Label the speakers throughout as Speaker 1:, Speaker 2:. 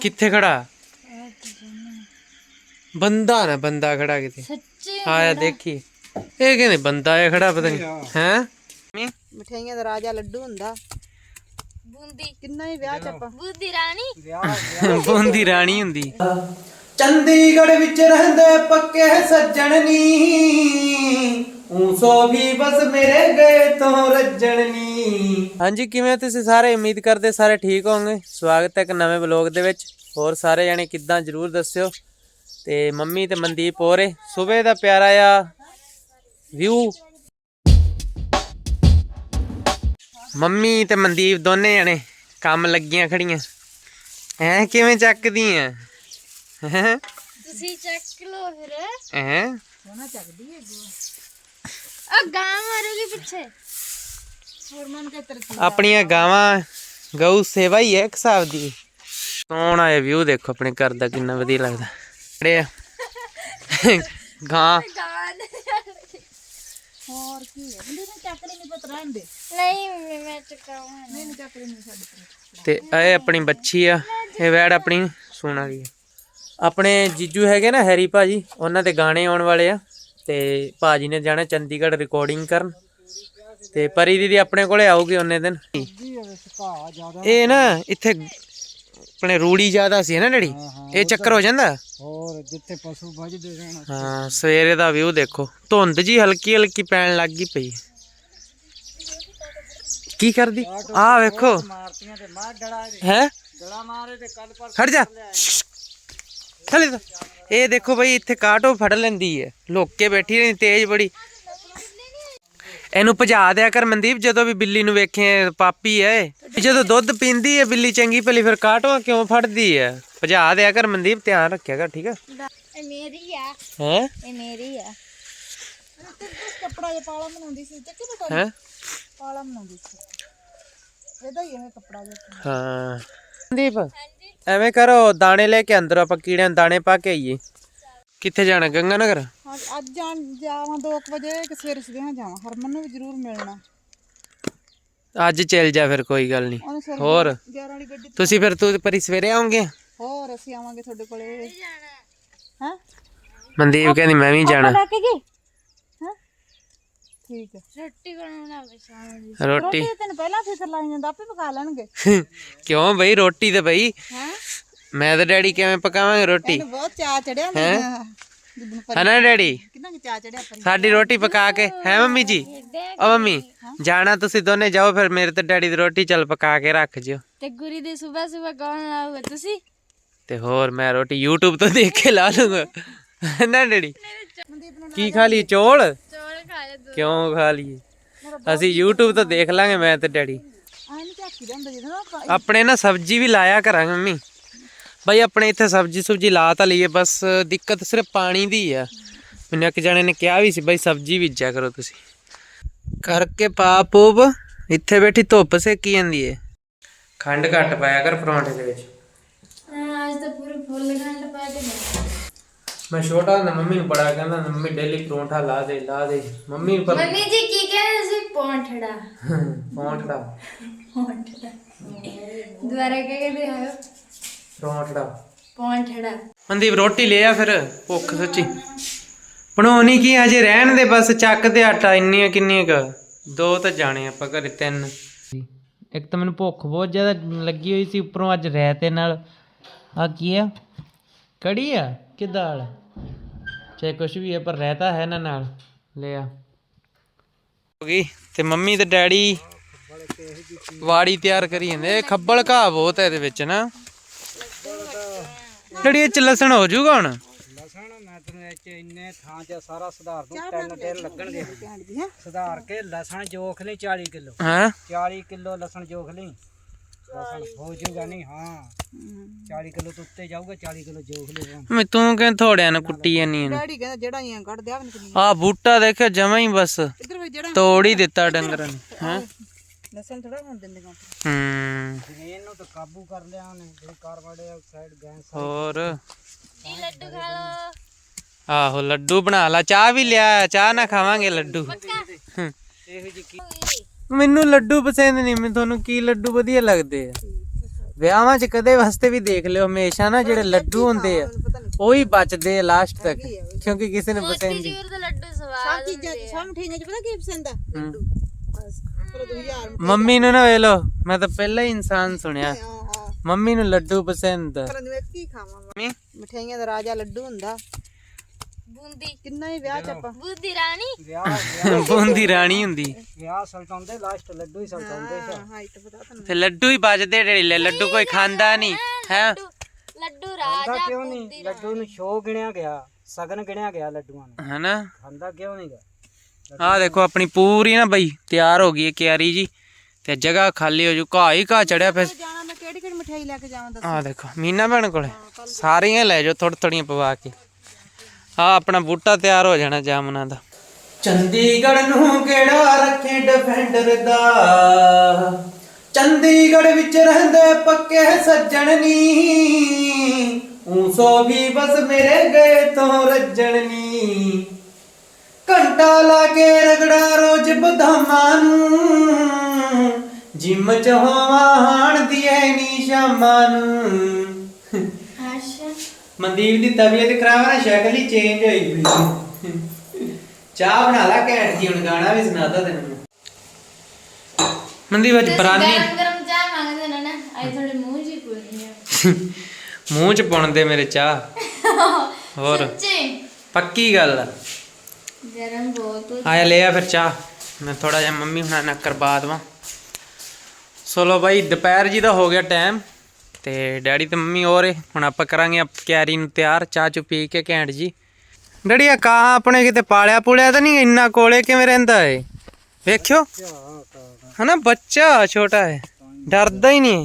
Speaker 1: ਕਿੱਥੇ ਖੜਾ ਬੰਦਾ ਨਾ ਬੰਦਾ ਖੜਾ ਕਿਤੇ ਆਇਆ ਦੇਖੀ ਇਹ ਕਹਿੰਦੇ ਬੰਦਾ ਆ ਖੜਾ ਪਤਾ ਨਹੀਂ ਹੈ
Speaker 2: ਮਠਿਆਈਆਂ ਦਾ ਰਾਜਾ ਲੱਡੂ ਹੁੰਦਾ ਬੂੰਦੀ ਕਿੰਨਾ ਹੀ ਵਿਆਹ ਚ ਆਪਾਂ
Speaker 1: ਬੂੰਦੀ ਰਾਣੀ ਹੁੰਦੀ ਚੰਡੀਗੜ੍ਹ ਵਿੱਚ ਰਹਿੰਦੇ ਪੱਕੇ ਸੱਜਣ ਨੀ ਸੋ ਵੀ ਬਸ ਮੇਰੇ ਗਏ ਤੋਂ ਰੱਜਣ ਨੀ। ਹਾਂਜੀ ਕਿਵੇਂ ਤੁਸੀਂ ਸਾਰੇ ਉਮੀਦ ਕਰਦੇ ਸਾਰੇ ਠੀਕ ਹੋਵੋਗੇ। ਸਵਾਗਤ ਹੈ ਇੱਕ ਨਵੇਂ ਵਲੌਗ ਦੇ ਵਿੱਚ। ਹੋਰ ਸਾਰੇ ਜਾਣੇ ਕਿੱਦਾਂ ਜ਼ਰੂਰ ਦੱਸਿਓ। ਤੇ ਮੰਮੀ ਤੇ ਮਨਦੀਪ ਹੋਰੇ ਸਵੇਰ ਦਾ ਪਿਆਰਾ ਆ ਵਿਊ। ਮੰਮੀ ਤੇ ਮਨਦੀਪ ਦੋਨੇ ਜਾਣੇ ਕੰਮ ਲੱਗੀਆਂ ਖੜੀਆਂ ਐ ਕਿਵੇਂ ਚੱਕਦੀਆਂ ਹੈ
Speaker 3: ਤੁਸੀਂ ਚੱਕ ਲੋ ਫਿਰ
Speaker 1: ਹੈ
Speaker 2: ਸੋਨਾ ਚੱਕਦੀ ਹੈ
Speaker 3: ਆ ਗਾਂ ਮਾਰੂਗੀ ਪਿੱਛੇ
Speaker 2: ਹੋਰ ਮਨ ਕੇ ਤਰਤੀ
Speaker 1: ਆਪਣੀਆਂ ਗਾਵਾਂ ਗਊ ਸੇਵਾ ਹੀ ਹੈ ਇੱਕ ਹਿਸਾਬ ਦੀ। ਸੋਹਣਾ ਇਹ ਵਿਊ ਦੇਖੋ ਆਪਣੇ ਘਰ ਦਾ ਕਿੰਨਾ ਵਧੀਆ ਲੱਗਦਾ। ਜਿਹੜੇ ਗਾਂ
Speaker 2: ਹੋਰ ਕੀ ਹੈ ਬੰਦੇ ਨੇ ਚੱਕਦੇ ਨਹੀਂ ਪਤ ਰਹਿੰਦੇ
Speaker 3: ਨਹੀਂ ਮੈਂ ਚਕਾਵਾਂ
Speaker 2: ਨਹੀਂ ਚੱਕਦੇ ਨਹੀਂ ਸਾਡੇ
Speaker 1: ਤੇ ਇਹ ਆਪਣੀ ਬੱਚੀ ਆ ਇਹ ਵੈੜ ਆਪਣੀ ਸੂਣ ਵਾਲੀ ਆ। ਆਪਣੇ ਜੀਜੂ ਹੈਗੇ ਨਾ ਹੈਰੀ ਭਾਜੀ ਉਹਨਾਂ ਦੇ ਗਾਣੇ ਆਉਣ ਵਾਲੇ ਆ ਤੇ ਭਾਜੀ ਨੇ ਜਾਣਾ ਚੰਡੀਗੜ੍ਹ ਰਿਕਾਰਡਿੰਗ ਕਰਨ ਤੇ ਪਰੀ ਦੀਦੀ ਆਪਣੇ ਕੋਲੇ ਆਊਗੀ ਉਹਨੇ ਦਿਨ। ਇਹ ਨਾ ਇੱਥੇ ਆਪਣੇ ਰੂੜੀ ਜ਼ਿਆਦਾ ਸੀ ਨਾ ਡੈਡੀ ਇਹ ਚੱਕਰ ਹੋ ਜਾਂਦਾ
Speaker 2: ਹੋਰ ਜਿੱਥੇ ਪਸ਼ੂ ਵੱਜਦੇ ਰਹਿਣਾ।
Speaker 1: ਹਾਂ ਸਵੇਰੇ ਦਾ ਵਿਊ ਦੇਖੋ ਧੁੰਦ ਜੀ ਹਲਕੀ ਹਲਕੀ ਪੈਣ ਲੱਗ ਗਈ ਪਈ। ਕੀ ਕਰਦੀ ਆ ਵੇਖੋ
Speaker 2: ਮਾਰਤੀਆਂ ਤੇ ਮਾਰ ਡੜਾ
Speaker 1: ਹੈ
Speaker 2: ਡੜਾ ਮਾਰੇ ਤੇ ਕੱਲ ਪਰ
Speaker 1: ਖੜ ਜਾ ਥਲੇ ਤਾਂ ਇਹ ਦੇਖੋ ਬਈ ਇੱਥੇ ਕਾਟੋ ਫੜ ਲੈਂਦੀ ਹੈ ਲੁੱਕ ਕੇ ਬੈਠੀ ਰਹੀ ਤੇਜ਼ ਬੜੀ। ਇਹਨੂੰ ਭਜਾ ਦਿਆ ਕਰ ਮਨਦੀਪ ਜਦੋਂ ਵੀ ਬਿੱਲੀ ਨੂੰ ਵੇਖੇ ਪਾਪੀ ਹੈ ਜਦੋਂ ਦੁੱਧ ਪੀਂਦੀ ਹੈ ਬਿੱਲੀ ਚੰਗੀ ਭਲੀ ਫਿਰ ਕਾਟੋਆਂ ਕਿਉਂ ਫੜਦੀ ਹੈ ਭਜਾ ਦਿਆ ਕਰ ਮਨਦੀਪ ਧਿਆਨ ਰੱਖਿਆ ਕਰ ਠੀਕ ਹੈ।
Speaker 3: ਇਹ ਮੇਰੀ ਆ
Speaker 1: ਹੈ
Speaker 3: ਇਹ ਮੇਰੀ ਆ
Speaker 2: ਕੱਪੜਾ ਜਿਹਾ ਪਾਲਾ ਬਣਾਉਂਦੀ ਸੀ ਚੱਕੀ ਪਤਾ
Speaker 1: ਹੈ
Speaker 2: ਪਾਲਾ ਬਣਾਉਂਦੀ ਸੀ ਇਹਦਾ ਹੀ ਇਹ ਕੱਪੜਾ ਜਿਹਾ।
Speaker 1: ਹਾਂ ਮਨਦੀਪ ਐਵੇਂ ਕਰੋ ਦਾਣੇ ਲੈ ਕੇ ਅੰਦਰ ਆਪਾਂ ਕੀੜਿਆਂ ਨੂੰ ਦਾਣੇ ਪਾ ਕੇ ਆਈਏ। ਕਿੱਥੇ ਜਾਣਾ ਗੰਗਾ ਨਗਰ?
Speaker 2: ਹਾਂ ਅੱਜ ਜਾਵਾਂ 2 ਵਜੇ ਕਿ ਸਵੇਰੇ ਸਵੇਰੇ ਜਾਵਾਂ ਹਰਮਨ ਨੂੰ ਵੀ ਜ਼ਰੂਰ ਮਿਲਣਾ।
Speaker 1: ਅੱਜ ਚੱਲ ਜਾ ਫਿਰ ਕੋਈ ਗੱਲ ਨਹੀਂ। ਹੋਰ
Speaker 2: 11 ਵਾਲੀ ਗੱਡੀ
Speaker 1: ਤੁਸੀਂ ਫਿਰ ਤੂੰ ਪਰੀ ਸਵੇਰੇ ਆਉਂਗੇ?
Speaker 2: ਹੋਰ ਅਸੀਂ ਆਵਾਂਗੇ ਤੁਹਾਡੇ ਕੋਲੇ ਹਾਂ
Speaker 1: ਮਨਦੀਪ ਕਹਿੰਦੀ ਮੈਂ ਵੀ ਜਾਣਾ।
Speaker 2: ਲੈ ਕੇ ਗਈ ਹਾਂ ਠੀਕ ਹੈ।
Speaker 3: ਰੋਟੀ ਬਣਾਉਣਾ ਸ਼ਾਮ ਦੀ
Speaker 1: ਰੋਟੀ
Speaker 2: ਤੈਨੂੰ ਪਹਿਲਾਂ ਫਿਕਰ ਲਾਈ ਜਾਂਦਾ ਆਪੇ ਪਕਾ ਲੈਣਗੇ।
Speaker 1: ਕਿਉਂ ਬਈ ਰੋਟੀ ਤੇ ਬਈ
Speaker 2: ਹਾਂ
Speaker 1: ਮੈਂ ਤੇ ਡੈਡੀ ਕਿਵੇਂ ਪਕਾਵਾਂਗੇ ਰੋਟੀ
Speaker 2: ਇਹਨੂੰ ਬਹੁਤ ਚਾਅ ਚੜਿਆ ਨਾ
Speaker 1: ਹੈ ਨਾ ਡੈਡੀ
Speaker 2: ਕਿੰਨਾ ਚਾਅ ਚੜਿਆ ਪਰ
Speaker 1: ਸਾਡੀ ਰੋਟੀ ਪਕਾ ਕੇ ਹੈ ਮੰਮੀ ਜੀ ਓ ਮੰਮੀ ਜਾਣਾ ਤੁਸੀਂ ਦੋਨੇ ਜਾਓ ਫਿਰ ਮੇਰੇ ਤੇ ਡੈਡੀ ਦੀ ਰੋਟੀ ਚੱਲ ਪਕਾ ਕੇ ਰੱਖ ਜਿਓ।
Speaker 3: ਤੇ ਗੁਰੀ ਦੇ ਸਵੇਰ ਸਵੇਰ ਕੌਣ ਲਾਊਗਾ ਤੁਸੀਂ?
Speaker 1: ਤੇ ਹੋਰ ਮੈਂ ਰੋਟੀ YouTube ਤੋਂ ਦੇਖ ਕੇ ਲਾ ਲੂੰਗਾ ਨਾ ਡੈਡੀ। ਕੀ ਖਾ ਲਈ ਚੌਲ?
Speaker 3: ਚੌਲ ਖਾ ਲੈ ਦੋ
Speaker 1: ਕਿਉਂ ਖਾ ਲਈਏ ਅਸੀਂ YouTube ਤੋਂ ਦੇਖ ਲਾਂਗੇ ਮੈਂ ਤੇ ਡੈਡੀ।
Speaker 2: ਆਹ ਨਹੀਂ ਝਾਕੀ ਦਾ ਹੁੰਦਾ ਜਿਹਦਾ
Speaker 1: ਆਪਣੇ ਨਾ ਸਬਜ਼ੀ ਵੀ ਲਾਇਆ ਕਰਾਂਗੇ ਮੰਮੀ ਬਈ ਆਪਣੇ ਇੱਥੇ ਸਬਜ਼ੀ ਸੁਬਜੀ ਲਾ ਤਾਂ ਲਈਏ ਬਸ ਦਿੱਕਤ ਸਿਰਫ ਪਾਣੀ ਦੀ ਆ। ਮੈਨੂੰ ਇੱਕ ਜਣੇ ਨੇ ਕਿਹਾ ਵੀ ਸੀ ਬਈ ਸਬਜ਼ੀ ਬੀਜਿਆ ਕਰੋ ਤੁਸੀਂ ਕਰਕੇ ਪਾ ਪੂਬ। ਇੱਥੇ ਬੈਠੀ ਧੁੱਪ ਸੇਕੀ ਜਾਂਦੀ ਏ। ਖੰਡ ਘੱਟ ਪਾਇਆ ਕਰ ਪਰੌਂਠੇ ਦੇ ਵਿੱਚ।
Speaker 3: ਅੱਜ ਤਾਂ ਪੂਰੇ ਫੁੱਲ ਖੰਡ ਪਾ ਕੇ
Speaker 1: ਮੈਂ ਛੋਟਾ ਹੁੰਦਾ ਮੰਮੀ ਨੂੰ ਬੜਾ ਕਹਿੰਦਾ ਮੰਮੀ ਡੇਲੀ ਪਰੌਂਠਾ ਲਾ ਦੇ ਮੰਮੀ ਪਰ
Speaker 3: ਮੰਮੀ ਜੀ ਕੀ ਕਹਿੰਦੇ ਸੀ ਪੌਂਠੜਾ
Speaker 1: ਪਰੌਂਠਾ
Speaker 3: ਦੁਬਾਰਾ ਕੀ ਕਹਿੰਦੇ ਹੋ?
Speaker 1: ਪਰੌਂਠਾ
Speaker 3: ਪੌਂਠੜਾ।
Speaker 1: ਮਨਦੀਪ ਰੋਟੀ ਲੈ ਆ ਫਿਰ ਭੁੱਖ ਸੱਚੀ ਬਣਾਉਣੀ ਕੀ ਅਜੇ ਰਹਿਣ ਦੇ ਬਸ ਚੱਕ ਤੇ ਆਟਾ ਇੰਨੀਆਂ ਕਿੰਨੀਆਂ ਕ 2 ਤਾਂ ਜਾਣੇ ਆਪਾਂ ਘਰੇ 3। ਇੱਕ ਤਾਂ ਮੈਨੂੰ ਭੁੱਖ ਬਹੁਤ ਜ਼ਿਆਦਾ ਲੱਗੀ ਹੋਈ ਸੀ ਉੱਪਰੋਂ ਅੱਜ ਰਾਇਤੇ ਨਾਲ ਆ ਕੀ ਆ ਕੜੀ ਆ ਕਿ ਦਾਲ ਚਾਹੇ ਕੁਛ ਵੀ ਹੈ ਪਰ ਰਾਇਤਾ ਹੈ ਨਾ ਨਾਲ ਲਿਆ ਹੋ ਗਈ। ਤੇ ਮੰਮੀ ਤੇ ਡੈਡੀ ਵਾੜੀ ਤਿਆਰ ਕਰੀ ਜਾਂਦੇ। ਖੱਬਲ ਘਾਹ ਬਹੁਤ ਹੈ ਇਹਦੇ ਵਿੱਚ ਨਾ ਡੈਡੀ ਇਹ ਚ ਲਸਣ ਹੋ ਜਾਊਗਾ ਹੁਣ?
Speaker 2: ਲਸਣ ਮੈਂ ਤੈਨੂੰ ਇਹ ਚ ਇੰਨੇ ਥਾਂ ਚ ਸਾਰਾ ਸੁਧਾਰ ਦੂੰ 3 ਦਿਨ ਲੱਗਣਗੇ ਸੁਧਾਰ ਕੇ ਲਸਣ ਜੋਖ ਲਈ 40 ਕਿਲੋ
Speaker 1: ਹਾਂ
Speaker 2: 40 ਕਿਲੋ ਲਸਣ ਜੋਖ ਲਈ ਲਸਣ ਹੋ ਜਾਊਗਾ ਨਹੀਂ ਹਾਂ 40 ਕਿਲੋ ਤੋਂ ਉੱਤੇ ਜਾਊਗਾ 40 ਕਿਲੋ ਜੋਖ ਲਈ।
Speaker 1: ਮੈਂ ਤੂੰ ਕਹਿੰਦਾ ਥੋੜਿਆਂ ਨਾਲ ਕੁੱਟੀ ਜਾਨੀ
Speaker 2: ਡੈਡੀ ਕਹਿੰਦਾ ਜਿਹੜਾ ਹੀ ਕੱਢ ਦਿਆ ਨਹੀਂ
Speaker 1: ਆ ਬੂਟਾ ਦੇਖਿਆ ਜਮਾ ਹੀ ਬਸ
Speaker 2: ਇਧਰ ਵੀ ਜਿਹੜਾ
Speaker 1: ਤੋੜ ਹੀ ਦਿੱਤਾ ਡੰਗਰਾਂ ਨੇ ਹੈ
Speaker 2: ਲਸਣ ਥੋੜਾ ਹੋਣ ਦਿੰਦੇ ਗਾ ਇਹਨੂੰ ਤਾਂ ਕਾਬੂ ਕਰ ਲਿਆ ਉਹਨੇ ਜਿਹੜੀ ਕਾਰਬਨ ਡਾਈਆਕਸਾਈਡ ਗੈਸ।
Speaker 3: ਇਹ
Speaker 1: ਹੋਰ
Speaker 3: ਲੱਡੂ ਖਾ ਲੋ।
Speaker 1: ਆਹੋ ਲੱਡੂ ਬਣਾ ਲਾ ਚਾਹ ਵੀ ਲਿਆ ਚਾਹ ਨਾ ਖਾਵਾਂਗੇ ਲੱਡੂ।
Speaker 2: ਇਹੋ ਜਿਹੀ
Speaker 1: ਮੈਨੂੰ ਲੱਡੂ ਪਸੰਦ ਨਹੀਂ। ਮੈਂ ਤੁਹਾਨੂੰ ਕੀ ਲੱਡੂ ਵਧੀਆ ਲੱਗਦੇ ਆ? ਵਿਆਹਾਂ 'ਚ ਕਦੇ ਵਾਸਤੇ ਵੀ ਦੇਖ ਲਿਓ ਹਮੇਸ਼ਾ ਨਾ ਜਿਹੜੇ ਲੱਡੂ ਹੁੰਦੇ ਆ ਉਹ ਹੀ ਬਚਦੇ ਆ ਲਾਸਟ ਤੱਕ ਕਿਉਂਕਿ ਕਿਸੇ ਨੇ ਪਸੰਦ ਨਹੀਂ।
Speaker 3: ਜੂਰ ਦੇ ਲੱਡੂ ਸਵਾਦ
Speaker 4: ਸਭ ਮਠਿਆਈਆਂ ਚ ਪਤਾ ਕੀ ਪਸੰਦ ਆ ਲੱਡੂ ਬਸ ਪਰ 2000
Speaker 1: ਮੰਮੀ ਨੂੰ ਨਾ ਵੇਖ ਲਓ ਮੈਂ ਤਾਂ ਪਹਿਲਾਂ ਹੀ ਇਨਸਾਨ ਸੁਣਿਆ ਮੰਮੀ ਨੂੰ ਲੱਡੂ ਪਸੰਦ ਆ।
Speaker 4: ਪਰ ਮੈਂ ਕੀ ਖਾਵਾਂ ਮਠਿਆਈਆਂ ਦਾ ਰਾਜਾ ਲੱਡੂ ਹੁੰਦਾ।
Speaker 3: ਬੂੰਦੀ
Speaker 4: ਕਿੰਨਾ ਹੀ ਵਿਆਹ ਚ ਆਪਾਂ
Speaker 3: ਬੂੰਦੀ ਰਾਣੀ
Speaker 2: ਵਿਆਹ
Speaker 1: ਬੂੰਦੀ ਰਾਣੀ ਹੁੰਦੀ
Speaker 2: ਵਿਆਹ ਸਲਟਾਉਂਦੇ ਲਾਸਟ ਲੱਡੂ ਹੀ ਸਲਟਾਉਂਦੇ ਸੀ।
Speaker 4: ਹਾਈਟ ਪਤਾ ਤੁਹਾਨੂੰ
Speaker 1: ਤੇ ਲੱਡੂ ਹੀ ਬਚਦੇ ਢੇਲੇ ਲੱਡੂ ਕੋਈ ਖਾਂਦਾ ਨਹੀਂ ਹੈ।
Speaker 3: ਲੱਡੂ
Speaker 2: ਖਾਂਦਾ
Speaker 3: ਰਾਜਾ
Speaker 2: ਕਿਉਂ ਨਹੀਂ? ਲੱਡੂ ਨੂੰ ਸ਼ੋਅ ਗਿਣਿਆ ਗਿਆ, ਸਗਨ ਗਿਣਿਆ ਗਿਆ ਲੱਡੂਆਂ ਨੂੰ।
Speaker 1: ਹਨਾ
Speaker 2: ਖਾਂਦਾ ਕਿਉਂ ਨਹੀਂ ਗਾ?
Speaker 1: ਆਹ ਦੇਖੋ ਆਪਣੀ ਪੂਰੀ ਨਾ ਬਈ ਤਿਆਰ ਹੋ ਗਈ ਹੈ ਕਿਆਰੀ ਜੀ ਤੇ ਜਗ੍ਹਾ ਖਾਲੀ ਹੋ ਜੂ ਘਾਹ ਹੀ ਘਾਹ ਚੜਿਆ ਫਿਰ।
Speaker 4: ਜਾਣਾ ਮੈਂ ਕਿਹੜੀ ਕਿਹੜੀ ਮਠਿਆਈ ਲੈ ਕੇ ਜਾਵਾਂ ਦੱਸ।
Speaker 1: ਆਹ ਦੇਖੋ ਮੀਨਾ ਭੈਣ ਕੋਲੇ ਸਾਰੀਆਂ ਲੈ ਜਾਓ ਥੋੜੀ ਥੋੜੀਆਂ ਪਵਾ ਕੇ। ਆਹ ਆਪਣਾ ਬੂਟਾ ਤਿਆਰ ਹੋ ਜਾਣਾ ਜਾਮਨਾਂ ਦਾ। ਚੰਡੀਗੜ੍ਹ ਨੂੰ ਕਿਹੜਾ ਰੱਖੇ ਡਿਫੈਂਡਰ ਦਾ, ਚੰਡੀਗੜ੍ਹ ਵਿੱਚ ਰਹਿੰਦੇ ਪੱਕੇ ਸੱਜਣ ਨੀ, ਸੋ ਵੀ ਬਸ ਮੇਰੇ ਗਏ ਤੋਂ ਰੱਜਣ ਨੀ। ਘੰਟਾ ਲਾ ਕੇ ਰਗੜਾ ਰੋਜ਼ ਬਦਾਮਾਂ ਨੂੰ, ਜਿੰਮ ਚ ਹੋਵਾਂ ਹਾਣ ਦੀ ਐ ਨੀ ਸ਼ਾਮਾਂ ਨੂੰ।
Speaker 3: ਅੱਛਾ
Speaker 1: ਮਨਦੀਪ ਦੀ ਤਬੀਅਤ ਖਰਾਬ ਹੈ, ਸ਼ਕਲ ਹੀ ਚੇਂਜ ਹੋਈ ਪਈ। ਚਾਹ ਬਣਾ ਲਾ ਘੈਂਟ ਜੀ, ਹੁਣ ਗਾਣਾ ਵੀ ਸੁਣਾਦਾ ਤੈਨੂੰ। ਮਨਦੀਪ ਅੱਜ ਬਰਾਨੀ
Speaker 3: ਗਰਮ ਗਰਮ ਚਾਹ ਮੰਗਦੇ ਨੇ ਨਾ ਅੱਜ ਥੋੜੇ ਮੂੰਹ ਜੀ ਪੂਰੀ ਆ
Speaker 1: ਮੂੰਹ ਚ ਪਾਉਣ ਦੇ ਮੇਰੇ ਚਾਹ। ਹੋਰ
Speaker 3: ਸੱਚੀ
Speaker 1: ਪੱਕੀ ਗੱਲ ਆ।
Speaker 3: ਗਰਮ ਬਹੁਤ
Speaker 1: ਆਇਆ ਲੈ ਆ ਫਿਰ ਚਾਹ, ਮੈਂ ਥੋੜਾ ਜਿਹਾ ਮੰਮੀ ਹੁਣਾਂ ਨਾਲ ਕਰਵਾ ਦਵਾਂ। ਸੋ ਲੋ ਬਾਈ ਦੁਪਹਿਰ ਜੀ ਦਾ ਹੋ ਗਿਆ ਟਾਈਮ ਤੇ ਡੈਡੀ ਤੇ ਮੰਮੀ ਹੋਰ ਏ। ਹੁਣ ਆਪਾਂ ਕਰਾਂਗੇ ਕਿਆਰੀ ਨੂੰ ਤਿਆਰ, ਚਾਹ ਚੁ ਪੀ ਕੇ ਘੈਂਟ ਜੀ। ਡੈਡੀ ਆ ਕਾਂ ਆਪਣੇ ਕਿਤੇ ਪਾਲਿਆ ਪੁਲਿਆ ਤਾਂ ਨਹੀਂ? ਇੰਨਾ ਕੋਲੇ ਕਿਵੇਂ ਰਹਿੰਦਾ ਏ ਵੇਖਿਓ ਹਨਾ, ਬੱਚਾ ਛੋਟਾ ਹੈ ਡਰਦਾ ਹੀ ਨਹੀਂ।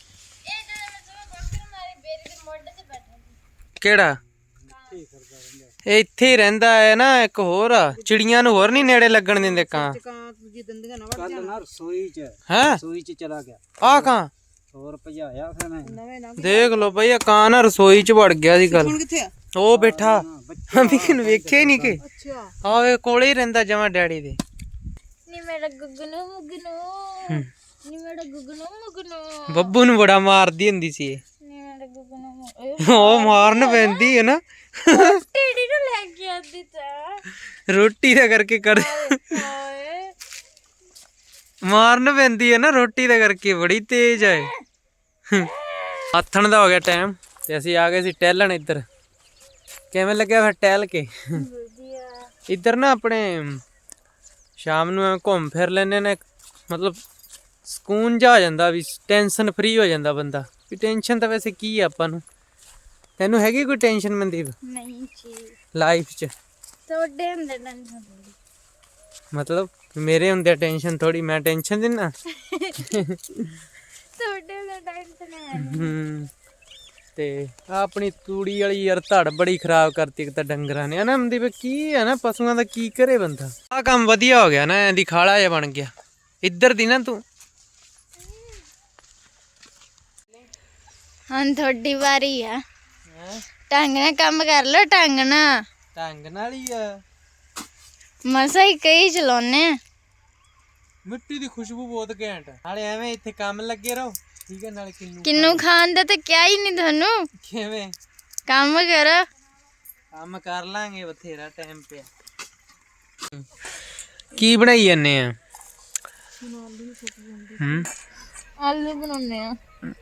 Speaker 1: ਕਿਹੜਾ? ਇਹ ਇੱਥੇ ਹੀ ਰਹਿੰਦਾ ਹੈ ਨਾ। ਇੱਕ ਹੋਰ ਆ ਚਿੜੀਆਂ ਨੂੰ ਹੋਰ ਨਹੀਂ ਨੇੜੇ ਲੱਗਣ ਦਿੰਦੇ ਕਾਂ।
Speaker 4: ਕਾਂ ਦੂਜੀ ਦੰਦੀਆਂ ਨਾ ਵੜ
Speaker 2: ਕੱਲ ਨਾ ਰਸੋਈ ਚ ਚਲਾ ਗਿਆ
Speaker 1: ਆ ਕਾਂ
Speaker 2: ਹੋਰ ਭਜਾਇਆ ਫਿਰ ਮੈਂ।
Speaker 4: ਨਵੇਂ ਨਾ
Speaker 1: ਦੇਖ ਲੋ ਬਈ ਆ ਕਾਂ ਨਾ ਰਸੋਈ ਚ ਵੜ ਗਿਆ ਸੀ ਗੱਲ।
Speaker 4: ਹੁਣ ਕਿੱਥੇ ਆ?
Speaker 1: ਉਹ ਬੈਠਾ ਵੀਨ ਵੇਖਿਆ ਹੀ ਨਹੀਂ ਕਿ
Speaker 4: ਅੱਛਾ
Speaker 1: ਆਵੇ ਕੋਲੇ ਹੀ ਰਹਿੰਦਾ ਜਮਾ ਡੈਡੀ ਦੇ।
Speaker 3: ਨੀ ਮੇਰਾ ਗੁੱਗਨੂ ਮੁਗਨੂ ਨੀ ਮੇਰਾ ਗੁੱਗਨੂ ਮੁਗਨੂ
Speaker 1: ਬੱਬੂ ਨੂੰ ਬੜਾ ਮਾਰਦੀ ਹੁੰਦੀ ਸੀ ਇਹ।
Speaker 3: ਨੀ ਮੇਰਾ ਗੁੱਗਨੂ
Speaker 1: ਉਹ ਮਾਰਨ ਪੈਂਦੀ ਹੈ ਨਾ,
Speaker 3: ਟੇਡੀ ਨੂੰ ਲੈ ਕੇ ਆਂਦੀ ਤਾਂ
Speaker 1: ਰੋਟੀ ਦਾ ਕਰਕੇ ਕਰ
Speaker 3: ਹਾਏ
Speaker 1: ਮਾਰਨ ਪੈਂਦੀ ਹੈ ਨਾ ਰੋਟੀ ਦਾ ਕਰਕੇ, ਬੜੀ ਤੇਜ਼ ਹੈ। ਆਥਣ ਦਾ ਹੋ ਗਿਆ ਟਾਈਮ ਤੇ ਅਸੀਂ ਆ ਗਏ ਸੀ ਟਹਿਲਣ ਇੱਧਰ। ਕਿਵੇਂ ਲੱਗਿਆ ਫਿਰ ਟਹਿਲ ਕੇ?
Speaker 3: ਵਧੀਆ
Speaker 1: ਇੱਧਰ ਨਾ ਆਪਣੇ ਸ਼ਾਮ ਨੂੰ ਐਵੇਂ ਘੁੰਮ ਫਿਰ ਲੈਨੇ ਨੇ, ਮਤਲਬ ਸਕੂਨ ਜਾ ਆ ਜਾਂਦਾ ਵੀ, ਟੈਨਸ਼ਨ ਫਰੀ ਹੋ ਜਾਂਦਾ ਬੰਦਾ। ਵੀ ਟੈਨਸ਼ਨ ਤਾਂ ਵੈਸੇ ਕੀ ਆ ਆਪਾਂ ਨੂੰ, ਤੈਨੂੰ ਹੈਗੀ ਕੋਈ ਟੈਨਸ਼ਨ ਮਨਦੀਪ
Speaker 3: ਨਹੀਂ ਜੀ
Speaker 1: ਲਾਈਫ 'ਚ?
Speaker 3: ਤੁਹਾਡੇ ਅੰਦਰ ਟੈਨਸ਼ਨ
Speaker 1: ਮਤਲਬ ਮੇਰੇ ਹੁੰਦੇ ਟੈਨਸ਼ਨ ਥੋੜੀ, ਮੈਂ ਟੈਨਸ਼ਨ ਦਿੰਨਾ।
Speaker 3: ਤੁਹਾਡੇ ਅੰਦਰ ਟੈਨਸ਼ਨ ਹੈ
Speaker 1: ਤੇ ਆਹ ਆਪਣੀ ਤੂੜੀ ਵਾਲੀ ਯਾਰ ਧੜ ਬੜੀ ਖਰਾਬ ਕਰਤੀ ਇੱਕ ਤਾਂ ਡੰਗਰਾਂ ਨੇ, ਹਨਾ ਮਨਦੀਪ? ਕੀ ਹੈ ਨਾ ਪਸ਼ੂਆਂ ਦਾ ਕੀ ਕਰੇ ਬੰਦਾ। ਆਹ ਕੰਮ ਵਧੀਆ ਹੋ ਗਿਆ ਨਾ, ਐਂ ਦੀ ਖਾਲਾ ਜਿਹਾ ਬਣ ਗਿਆ ਇੱਧਰ ਦੀ ਨਾ ਤੂੰ।
Speaker 3: ਹੁਣ ਤੁਹਾਡੀ ਵਾਰੀ ਆ, ਢੰਗ ਨਾਲ ਕੰਮ ਕਰ ਲੋ। ਢੰਗ ਨਾਲ
Speaker 1: ਢੰਗ ਨਾਲ ਹੀ ਆ,
Speaker 3: ਮਸਾ ਹੀ ਕਈ ਚਲਾਉਨੇ ਆ।
Speaker 1: ਮਿੱਟੀ ਦੀ ਖੁਸ਼ਬੂ ਬਹੁਤ ਘੈਂਟ। ਨਾਲੇ ਐਵੇਂ ਇੱਥੇ ਕੰਮ ਲੱਗੇ ਰਹੋ, ਠੀਕ ਹੈ? ਨਾਲੇ
Speaker 3: ਕਿੰਨੂ ਖਾਣ ਦਾ ਤਾਂ ਕਿਹਾ ਹੀ ਨਹੀਂ ਤੁਹਾਨੂੰ।
Speaker 1: ਕਿਵੇਂ
Speaker 3: ਕੰਮ ਕਰੋ।
Speaker 1: ਕੰਮ ਕਰ ਲਾਂਗੇ, ਬਥੇਰਾ ਟਾਈਮ ਪਿਆ। ਕੀ ਬਣਾਈ ਜਾਂਦੇ ਆ?
Speaker 3: ਆਲੂ ਬਣਾਉਨੇ ਆ।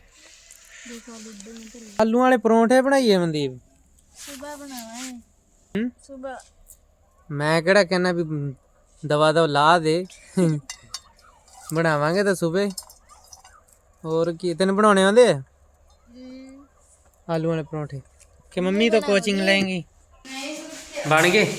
Speaker 1: ਆਲੂ ਵਾਲੇ ਪਰੌਂਠੇ ਬਣਾਈਏ ਮਨਦੀਪ?
Speaker 3: ਸੁਬਾ ਬਣਾਵਾਂਗੇ ਸੁਬਾ।
Speaker 1: ਮੈਂ ਕਿਹੜਾ ਕਹਿੰਦਾ ਵੀ ਦਵਾ ਦਵਾ ਲਾ ਦੇ, ਬਣਾਵਾਂਗੇ ਤਾਂ ਸੁਬੇ। ਹੋਰ ਕੀ ਤੈਨੂੰ ਬਣਾਉਣੇ ਆਉਂਦੇ ਆ ਆਲੂ ਵਾਲੇ ਪਰੌਂਠੇ? ਕਿ ਮੰਮੀ ਤੋਂ ਕੋਚਿੰਗ ਲੈਂਗੀ? ਬਣ ਗਏ?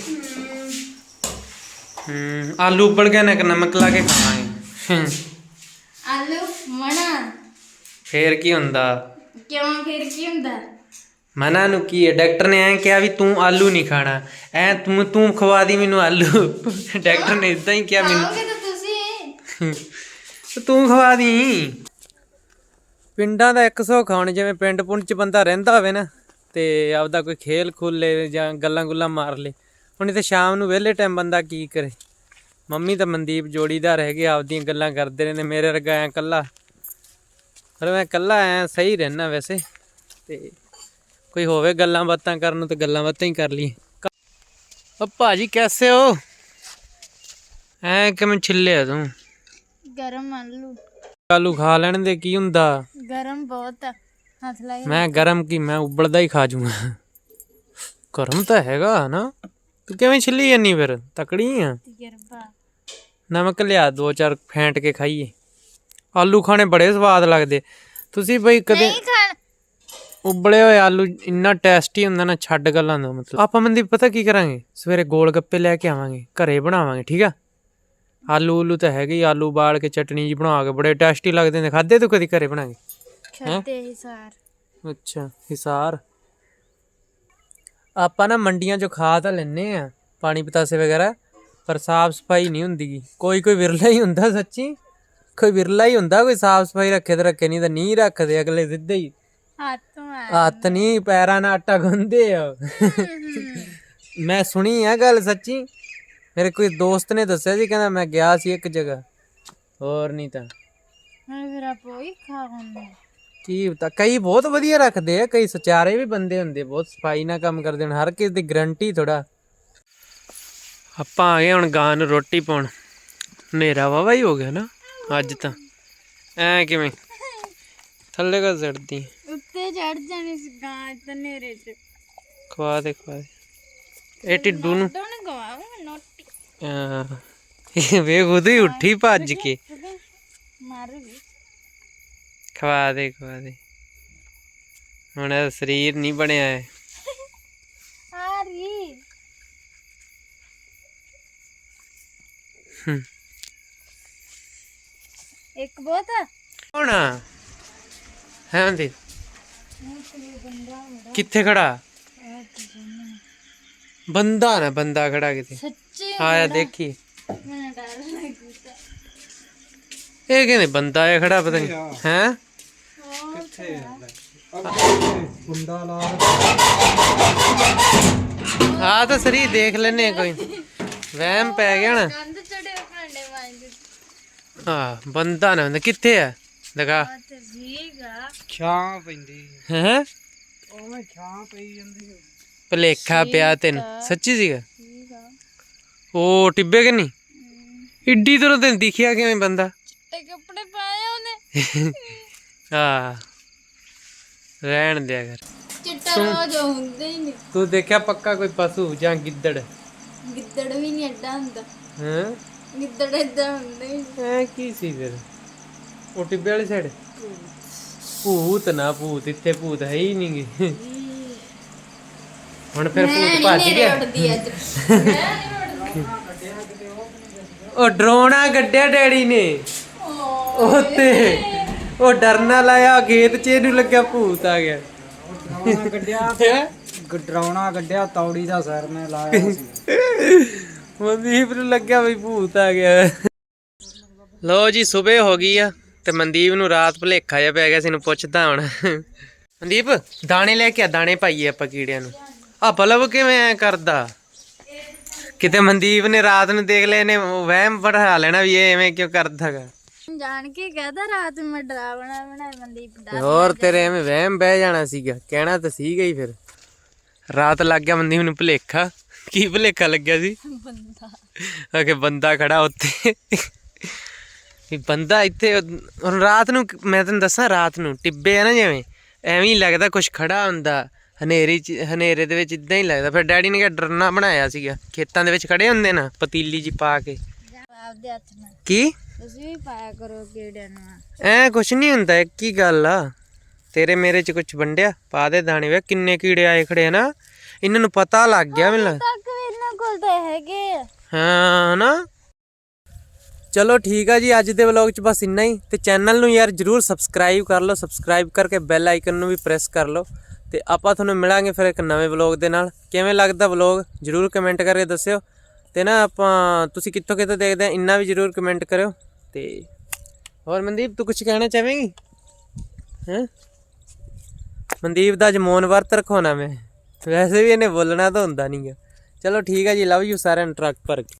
Speaker 1: ਆਲੂ ਉਬਲ ਗਏ ਨਾ, ਨਮਕ ਲਾ ਕੇ ਖਾਵਾਂਗੇ।
Speaker 3: ਆਲੂ ਮਣਾ
Speaker 1: ਫੇਰ ਕੀ ਹੁੰਦਾ?
Speaker 3: ਕਿਉਂ ਫਿਰ ਕੀ ਹੁੰਦਾ?
Speaker 1: ਮਨਾ ਨੂੰ ਕੀ ਹੈ? ਡਾਕਟਰ ਨੇ ਐਂ ਕਿਹਾ ਵੀ ਤੂੰ ਆਲੂ ਨਹੀਂ ਖਾਣਾ, ਐ ਤੂੰ ਖਵਾ ਦੀ ਮੈਨੂੰ ਆਲੂ। ਡਾਕਟਰ ਨੇ ਇਦਾਂ ਹੀ ਕਿਹਾ ਮੈਨੂੰ,
Speaker 3: ਖਾਓਗੇ ਤਾਂ ਤੁਸੀਂ।
Speaker 1: ਤੂੰ ਖਵਾ ਦੀ। ਪਿੰਡਾਂ ਦਾ 100 ਖਾਣ, ਜਿਵੇਂ ਪਿੰਡ ਪੁੰਡ ਚ ਬੰਦਾ ਰਹਿੰਦਾ ਹੋਵੇ ਨਾ ਤੇ ਆਪਦਾ ਕੋਈ ਖੇਲ ਖੁੱਲੇ ਜਾਂ ਗੱਲਾਂ ਗੁੱਲਾਂ ਮਾਰ ਲੇ। ਹੁਣ ਇੱਥੇ ਸ਼ਾਮ ਨੂੰ ਵਿਹਲੇ ਟਾਈਮ ਬੰਦਾ ਕੀ ਕਰੇ? ਮੰਮੀ ਤਾਂ ਮਨਦੀਪ ਜੋੜੀਦਾਰ ਹੈਗੇ, ਆਪਦੀਆਂ ਗੱਲਾਂ ਕਰਦੇ ਰਹਿੰਦੇ। ਮੇਰੇ ਵਰਗਾ ਐ ਇਕੱਲਾ ਪਰ ਮੈਂ ਇਕੱਲਾ ਆਇਆ ਸਹੀ ਰਹਿਣਾ ਵੈਸੇ, ਤੇ ਕੋਈ ਹੋਵੇ ਗੱਲਾਂ ਬਾਤਾਂ ਕਰਨ ਨੂੰ ਤੇ ਗੱਲਾਂ ਬਾਤਾਂ ਹੀ ਕਰ ਲਈਏ। ਓ ਭਾਜੀ ਕੈਸੇ ਹੋ? ਐ ਕਿਵੇਂ ਛਿੱਲਿਆ ਤੂੰ?
Speaker 3: ਗਰਮ ਆਲੂ
Speaker 1: ਆਲੂ ਖਾ ਲੈਣ ਦੇ, ਕੀ ਹੁੰਦਾ?
Speaker 3: ਗਰਮ ਬਹੁਤ ਆ, ਹੱਥ ਲਾਏ
Speaker 1: ਮੈਂ ਗਰਮ ਕੀ, ਮੈਂ ਉਬਲਦਾ ਹੀ ਖਾ ਜੂਗਾ। ਗਰਮ ਤਾਂ ਹੈਗਾ ਨਾ, ਤੂੰ ਕਿਵੇਂ ਛਿੱਲੀ ਜਾਨੀ ਫਿਰ? ਤਕੜੀ ਆ।
Speaker 3: ਤਜਰਬਾ।
Speaker 1: ਨਮਕ ਲਿਆ 2-4 ਫੈਂਟ ਕੇ ਖਾਈਏ। ਆਲੂ ਖਾਣੇ ਬੜੇ ਸਵਾਦ ਲੱਗਦੇ। ਤੁਸੀਂ ਬਈ ਕਦੇ
Speaker 3: ਨਹੀਂ ਖਾਣ
Speaker 1: ਉਬਲੇ ਹੋਏ ਆਲੂ ਇੰਨਾ ਟੇਸਟੀ ਹੁੰਦਾ ਨਾ, ਛੱਡ ਗੱਲਾਂ ਦਾ ਮਤਲਬ। ਆਪਾਂ ਮਨਦੀਪ ਪਤਾ ਕੀ ਕਰਾਂਗੇ, ਸਵੇਰੇ ਗੋਲ ਗੱਪੇ ਲੈ ਕੇ ਆਵਾਂਗੇ, ਘਰੇ ਬਣਾਵਾਂਗੇ, ਠੀਕ ਆ? ਆਲੂ ਤਾਂ ਹੈਗੇ ਹੀ, ਆਲੂ ਉਬਾਲ ਕੇ ਚਟਨੀ ਜੀ ਬਣਾ ਕੇ ਬੜੇ ਟੇਸਟੀ ਲੱਗਦੇ ਨੇ। ਖਾਧੇ ਤੂੰ ਕਦੀ ਘਰੇ ਬਣਾ ਕੇ?
Speaker 3: ਖਾਤੇ ਹਿਸਾਰ।
Speaker 1: ਅੱਛਾ ਹਿਸਾਰ। ਆਪਾਂ ਨਾ ਮੰਡੀਆਂ ਚੋਂ ਖਾ ਤਾਂ ਲੈਨੇ ਆ ਪਾਣੀ ਪਤਾਸੇ ਵਗੈਰਾ, ਪਰ ਸਾਫ ਸਫਾਈ ਨਹੀਂ ਹੁੰਦੀ। ਕੋਈ ਵਿਰਲਾ ਹੀ ਹੁੰਦਾ, ਸੱਚੀ ਕੋਈ ਵਿਰਲਾ ਹੀ ਹੁੰਦਾ ਕੋਈ ਸਾਫ ਸਫਾਈ ਰੱਖੇ ਤੇ ਰੱਖੇ, ਨਹੀਂ ਤਾਂ ਨਹੀਂ ਰੱਖਦੇ ਅਗਲੇ ਸਿੱਧੇ ਹੀ ਹੱਥ ਨਹੀਂ ਪੈਰਾਂ ਨਾਲ ਆਟਾ ਗੁੰਨਦੇ ਆ। ਮੈਂ ਸੁਣੀ ਆ ਗੱਲ ਸੱਚੀ, ਮੇਰੇ ਕੋਈ ਦੋਸਤ ਨੇ ਦੱਸਿਆ ਸੀ, ਕਹਿੰਦਾ ਮੈਂ ਗਿਆ ਸੀ ਇੱਕ ਜਗ੍ਹਾ, ਹੋਰ ਨਹੀਂ ਤਾਂ
Speaker 3: ਫਿਰ ਆਪੋ ਹੀ ਖਾਉਂਦੇ।
Speaker 1: ਕੀ ਪਤਾ, ਕਈ ਬਹੁਤ ਵਧੀਆ ਰੱਖਦੇ ਆ, ਕਈ ਸਚਾਰੇ ਵੀ ਬੰਦੇ ਹੁੰਦੇ, ਬਹੁਤ ਸਫਾਈ ਨਾਲ ਕੰਮ ਕਰਦੇ ਹਨ, ਹਰ ਕਿਸੇ ਦੀ ਗਰੰਟੀ ਥੋੜਾ। ਆਪਾਂ ਆ ਗਏ ਹੁਣ ਗਾਂ ਨੂੰ ਰੋਟੀ ਪਾਉਣ। ਹਨੇਰਾ ਵਾਵਾ ਹੀ ਹੋ ਗਿਆ ਨਾ ਅੱਜ ਤਾਂ। ਐ ਕਿਵੇਂ ਥੱਲੇ ਕਾ ਚੜਦੀ?
Speaker 3: ਉੱਤੇ ਚੜ ਜਾਣੀ ਸੀ ਗਾਂ ਤੇ ਨੇਰੇ ਚ।
Speaker 1: ਖਵਾ ਦੇ ਇਹ ਟਿੱਡੂ ਨੂੰ।
Speaker 3: ਦੋਨ ਗਵਾਵੇ ਨੋਟੀ
Speaker 1: ਇਹ ਵੇਖ ਉਹਦੀ ਉੱਠੀ ਭੱਜ ਕੇ।
Speaker 3: ਮਾਰ ਵੀ
Speaker 1: ਖਵਾ ਦੇ ਹੁਣ ਇਹਦਾ ਸਰੀਰ ਨਹੀਂ ਬਣਿਆ ਹੈ।
Speaker 3: ਆ ਰਹੀ ਇੱਕ ਬਹੁਤ ਆ
Speaker 1: ਹੁਣ ਹੈ ਹੁੰਦੀ ਕਿੱਥੇ ਖੜਾ? ਬੰਦਾ ਨਾ, ਬੰਦਾ ਖੜਾ ਕਿਤੇ।
Speaker 3: ਸੱਚੀ
Speaker 1: ਆਇਆ ਦੇਖੀ।
Speaker 3: ਮੈਨੂੰ ਡਰ ਲੱਗਦਾ।
Speaker 1: ਇਹ ਕਹਿੰਦੇ ਬੰਦਾ ਆ ਖੜਾ, ਪਤਾ ਨਹੀਂ ਹੈ।
Speaker 2: ਕੁੰਡਾ ਲਾ
Speaker 1: ਆ ਤਾਂ ਸਰੀ ਦੇਖ ਲੈਨੇ ਕੋਈ ਵਹਿਮ ਪੈ ਗਿਆ ਨਾ।
Speaker 3: ਕੰਧ ਚੜੇ ਭਾਂਡੇ ਮਾਂਜਦੇ।
Speaker 1: ਹਾਂ ਬੰਦਾ ਨਾ ਹੁੰਦਾ, ਕਿੱਥੇ ਆ ਦਿਖਾ।
Speaker 3: ਤੇ ਵੀਗਾ
Speaker 2: ਛਾਂ ਪੈਂਦੀ,
Speaker 1: ਹੈ
Speaker 2: ਉਹਵੇਂ ਛਾਂ ਪਈ ਜਾਂਦੀ।
Speaker 1: ਭਲੇਖਾ ਪਿਆ ਤੈਨੂੰ, ਸੱਚੀ ਸੀਗਾ।
Speaker 3: ਵੀਗਾ
Speaker 1: ਉਹ ਟਿੱਬੇ ਕਿ ਨਹੀਂ ਇੱਡੀ ਦੂਰੋਂ ਤੈਨੂੰ ਦਿਖਿਆ ਕਿਵੇਂ ਬੰਦਾ?
Speaker 3: ਚਿੱਟੇ ਕੱਪੜੇ ਪਾਏ ਉਹਨੇ।
Speaker 1: ਹਾਂ ਰਹਿਣ ਦਿਆ ਕਰ।
Speaker 3: ਚਿੱਟਾ ਰੋਜ਼ ਹੁੰਦੇ ਹੀ ਨਹੀਂ।
Speaker 1: ਤੂੰ ਦੇਖਿਆ ਪੱਕਾ ਕੋਈ ਪਸ਼ੂ ਜਾਂ ਗਿੱਦੜ?
Speaker 3: ਗਿੱਦੜ ਵੀ ਨਹੀਂ ਐਡਾ ਹੁੰਦਾ।
Speaker 1: ਹਾਂ
Speaker 3: ਗਿੱਦੜ ਏਦਾਂ ਹੁੰਦੇ ਹੀ ਨਹੀਂ।
Speaker 1: ਐ ਕੀ ਸੀ ਫਿਰ ਉਹ ਟਿੱਬੇ ਵਾਲੀ ਸਾਈਡ? ਭੂਤ ਨਾ ਭੂਤ, ਇੱਥੇ ਭੂਤ ਹੈ ਹੀ ਨਹੀਂ ਗੇ। ਹੁਣ ਫਿਰ ਭੂਤ ਭੱਜ ਗਿਆ। ਉਹ ਡਰੋਨਾ ਗੱਡਿਆ ਡੈਡੀ ਨੇ ਉੱਤੇ, ਉਹ ਡਰਨਾ ਲਾਇਆ ਖੇਤ ਚ, ਇਹਨੂੰ ਲੱਗਿਆ ਭੂਤ ਆ ਗਿਆ।
Speaker 2: ਡਰਾਉਣਾ ਗੱਡਿਆ ਤੌੜੀ ਦਾ ਸਿਰ ਨੇ ਲਾਇਆ ਸੀ।
Speaker 1: ਮਨਦੀਪ ਨੂੰ ਲੱਗਿਆ ਵੀ ਭੂਤ ਆ ਗਿਆ। ਲੋ ਜੀ ਸਵੇਰ ਹੋ ਗਈ ਆ ਤੇ ਮਨਦੀਪ ਨੂੰ ਰਾਤ ਭੁਲੇਖਾ ਜਿਹਾ ਪੈ ਗਿਆ ਸੀ। ਇਹਨੂੰ ਪੁੱਛਦਾ ਹੁਣ। ਮਨਦੀਪ ਦਾਣੇ ਲੈ ਕੇ ਆ, ਦਾਣੇ ਪਾਈਏ ਆਪਾਂ ਕੀੜਿਆਂ ਨੂੰ। ਆ ਬਲਬ ਕਿਵੇਂ ਐ ਕਰਦਾ? ਕਿਤੇ ਮਨਦੀਪ ਨੇ ਰਾਤ ਨੂੰ ਦੇਖ ਲਿਆ, ਇਹਨੇ ਵਹਿਮ ਪੜਾ ਲੈਣਾ ਵੀ ਇਹ ਐਵੇਂ ਕਿਉਂ ਕਰਦਾ ਗਾ।
Speaker 3: ਜਾਣ ਕੇ ਕਹਦਾ ਰਾਤ ਨੂੰ ਮੈਂ ਡਰਾਵਣਾ ਬਣਾਇਆ ਮਨਦੀਪ ਦਾ।
Speaker 1: ਹੋਰ ਤੇਰੇ ਐਵੇਂ ਵਹਿਮ ਬਹਿ ਜਾਣਾ ਸੀਗਾ, ਕਹਿਣਾ ਤਾਂ ਸੀਗਾ ਹੀ। ਫਿਰ ਰਾਤ ਲੱਗ ਗਿਆ ਮਨਦੀਪ ਨੂੰ ਭੁਲੇਖਾ। ਕੀ ਭੁਲੇਖਾ ਲੱਗਿਆ ਸੀ?
Speaker 3: ਬੰਦਾ
Speaker 1: ਕਿ ਬੰਦਾ ਖੜਾ ਉੱਤੇ, ਵੀ ਬੰਦਾ ਇੱਥੇ। ਹੁਣ ਰਾਤ ਨੂੰ ਮੈਂ ਤੈਨੂੰ ਦੱਸਾਂ, ਰਾਤ ਨੂੰ ਟਿੱਬੇ ਆ ਨਾ ਜਿਵੇਂ, ਐਵੇਂ ਹੀ ਲੱਗਦਾ ਕੁਛ ਖੜਾ ਹੁੰਦਾ ਹਨੇਰੇ ਦੇ ਵਿੱਚ, ਇਦਾਂ ਹੀ ਲੱਗਦਾ। ਫਿਰ ਡੈਡੀ ਨੇ ਕਿਹਾ ਡਰਨਾ ਬਣਾਇਆ ਸੀਗਾ, ਖੇਤਾਂ ਦੇ ਵਿੱਚ ਖੜੇ ਹੁੰਦੇ ਨਾ ਪਤੀਲੀ ਜੀ ਪਾ ਕੇ।
Speaker 3: ਆਪਦੇ ਹੱਥ ਨਾਲ
Speaker 1: ਕੀ
Speaker 3: ਤੁਸੀਂ ਵੀ ਪਾਇਆ ਕਰੋ ਕੀੜਿਆਂ ਨੂੰ।
Speaker 1: ਐ ਕੁਛ ਨਹੀਂ ਹੁੰਦਾ, ਇੱਕ ਹੀ ਗੱਲ ਆ। ਤੇਰੇ ਮੇਰੇ ਚ ਕੁਛ ਵੰਡਿਆ, ਪਾ ਦੇ ਦਾਣੇ। ਵੇ ਕਿੰਨੇ ਕੀੜੇ ਆਏ ਖੜੇ ਆ ਨਾ, ਇਹਨਾਂ ਨੂੰ ਪਤਾ ਲੱਗ ਗਿਆ ਮੈਨੂੰ।
Speaker 3: ਤੱਕ ਵੀ ਇਹਨਾਂ ਕੋਲ ਤਾਂ ਹੈਗੇ ਆ।
Speaker 1: ਹਾਂ ਨਾ। ਚਲੋ ਠੀਕ ਆ ਜੀ, ਅੱਜ ਦੇ ਵਲੌਗ 'ਚ ਬਸ ਇੰਨਾ ਹੀ। ਤੇ ਚੈਨਲ ਨੂੰ ਯਾਰ ਜਰੂਰ ਸਬਸਕ੍ਰਾਈਬ ਕਰ ਲਓ, ਸਬਸਕ੍ਰਾਈਬ ਕਰਕੇ ਬੈਲ ਆਈਕਨ ਨੂੰ ਵੀ ਪ੍ਰੈਸ ਕਰ ਲਓ। ਤੇ ਆਪਾਂ ਤੁਹਾਨੂੰ ਮਿਲਾਂਗੇ ਫਿਰ ਇੱਕ ਨਵੇਂ ਵਲੌਗ ਦੇ ਨਾਲ। ਕਿਵੇਂ ਲੱਗਦਾ ਵਲੌਗ ਜਰੂਰ ਕਮੈਂਟ ਕਰਕੇ ਦੱਸਿਓ। ਤੇ ਨਾ ਆਪਾਂ ਤੁਸੀਂ ਕਿੱਥੋਂ ਦੇਖਦੇ ਆ, ਇੰਨਾ ਵੀ ਜਰੂਰ ਕਮੈਂਟ ਕਰਿਓ। ਤੇ ਹੋਰ ਮਨਦੀਪ ਤੂੰ ਕੁਝ ਕਹਿਣਾ ਚਾਹਵੇਂਗੀ? ਹੈਂ ਮਨਦੀਪ ਦਾ ਅੱਜ ਮੌਨ ਵਰਤ ਰਖਾਉਣਾ ਮੈਂ, ਵੈਸੇ ਵੀ ਇਹਨੇ ਬੋਲਣਾ ਤਾਂ ਹੁੰਦਾ ਨਹੀਂ ਗਾ। ਚਲੋ ਠੀਕ ਆ ਜੀ, ਲਵ ਯੂ ਸਾਰਿਆਂ ਨੂੰ ਟਰੱਕ ਭਰ ਕੇ।